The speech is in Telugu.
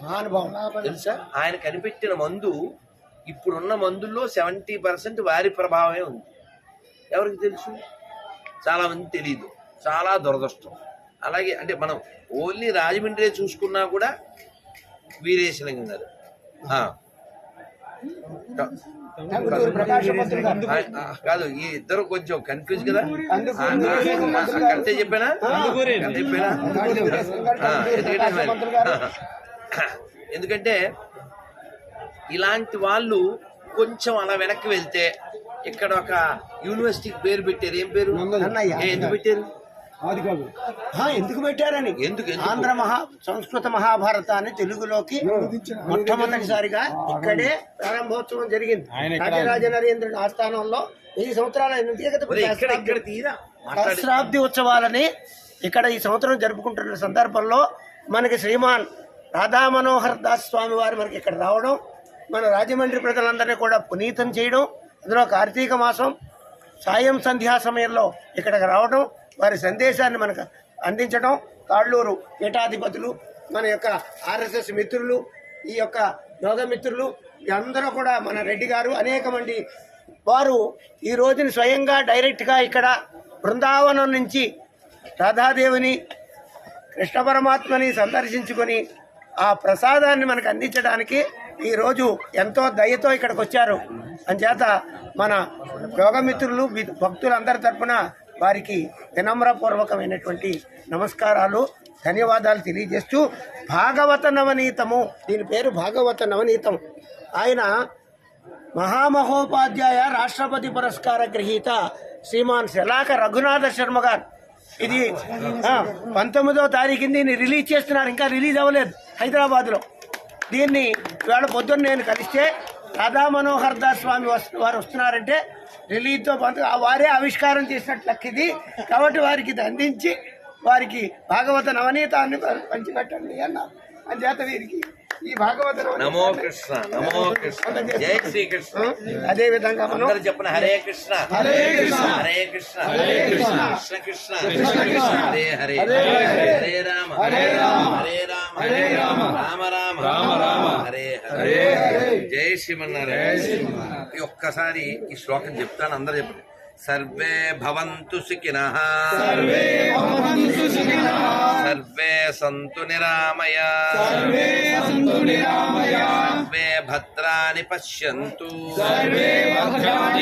తెలుసా? ఆయన కనిపెట్టిన మందు ఇప్పుడున్న మందుల్లో 70% వారి ప్రభావమే ఉంది. ఎవరికి తెలుసు? చాలా మంది తెలియదు. చాలా దురదృష్టం. అలాగే అంటే మనం ఓన్లీ రాజమండ్రి చూసుకున్నా కూడా వీరేశలింగం గారు కాదు, ఈ ఇద్దరు కొంచెం కన్ఫ్యూజ్ కదా. కరెక్టే చెప్పానా? ఎందుకంటే ఇలాంటి వాళ్ళు కొంచెం అలా వెనక్కి వెళ్తే ఇక్కడ ఒక యూనివర్సిటీకి పేరు పెట్టారు. ఏం పేరు? ఎందుకు పెట్టారు? ఎందుకు పెట్టారని ఆంధ్ర సంస్కృత మహాభారతాన్ని తెలుగులోకి మొట్టమొదటిసారిగా ఇక్కడే ప్రారంభోత్సవం జరిగింది. రాజరాజ నరేంద్రుడి ఆస్థానంలో 1000 సంవత్సరాల సహస్రాబ్ది ఉత్సవాలని ఇక్కడ ఈ సంవత్సరం జరుపుకుంటున్న సందర్భంలో మనకి శ్రీమాన్ రాధా మనోహర్ దాస్ స్వామి వారు మనకి ఇక్కడ రావడం, మన రాజమండ్రి ప్రజలందరినీ కూడా పునీతం చేయడం, అందులో కార్తీక మాసం సాయం సంధ్యా సమయంలో ఇక్కడికి రావడం, వారి సందేశాన్ని మనకు అందించడం, తాళ్ళూరు పీఠాధిపతులు, మన యొక్క ఆర్ఎస్ఎస్ మిత్రులు, ఈ యొక్క యోగ మిత్రులు అందరూ కూడా, మన రెడ్డి గారు, అనేక మంది వారు ఈ రోజుని స్వయంగా డైరెక్ట్గా ఇక్కడ బృందావనం నుంచి రాధాదేవిని కృష్ణ పరమాత్మని సందర్శించుకొని ఆ ప్రసాదాన్ని మనకు అందించడానికి ఈరోజు ఎంతో దయతో ఇక్కడికి వచ్చారు. అంచేత మన యోగమిత్రులు భక్తులందరి తరఫున వారికి వినమ్రపూర్వకమైనటువంటి నమస్కారాలు, ధన్యవాదాలు తెలియజేస్తూ, భాగవత నవనీతము, దీని పేరు భాగవత నవనీతం. ఆయన మహామహోపాధ్యాయ రాష్ట్రపతి పురస్కార గ్రహీత శ్రీమాన్ శలాక రఘునాథ శర్మ గారు. ఇది 19వ తారీఖుని దీన్ని రిలీజ్ చేస్తున్నారు, ఇంకా రిలీజ్ అవ్వలేదు హైదరాబాద్లో. దీన్ని ఇవాళ పొద్దున్న నేను కలిస్తే రాధా మనోహర్ దాస్ స్వామి వారు వస్తున్నారంటే రిలీజ్తో వారే ఆవిష్కారం చేసినట్లు లెక్కిది. కాబట్టి వారికి ఇది అందించి వారికి భాగవత నవనీతాన్ని పంచిపెట్టండి అన్నారు. అంచేత వీరికి ఈ భాగవత నమో కృష్ణ, నమో కృష్ణ, జై శ్రీకృష్ణ. అదే విధంగా మనం చెప్పిన హరే కృష్ణ, హరే కృష్ణ, హరే కృష్ణ, హరే కృష్ణ, కృష్ణ కృష్ణ, కృష్ణ కృష్ణ, హరే హరే, హరే రామ, హరే రామ, హరే రామ, హరే రామ, రామ రామ, రామ రామ, హరే హరే. జై శ్రీమన్నారాయణ. ఒక్కసారి ఈ శ్లోకం చెప్తాను, అందరూ చెప్పండి. సర్వే భవంతు సుఖినః, సర్వే సంతు నిరామయాః, సర్వే భద్రాణి పశ్యంతు.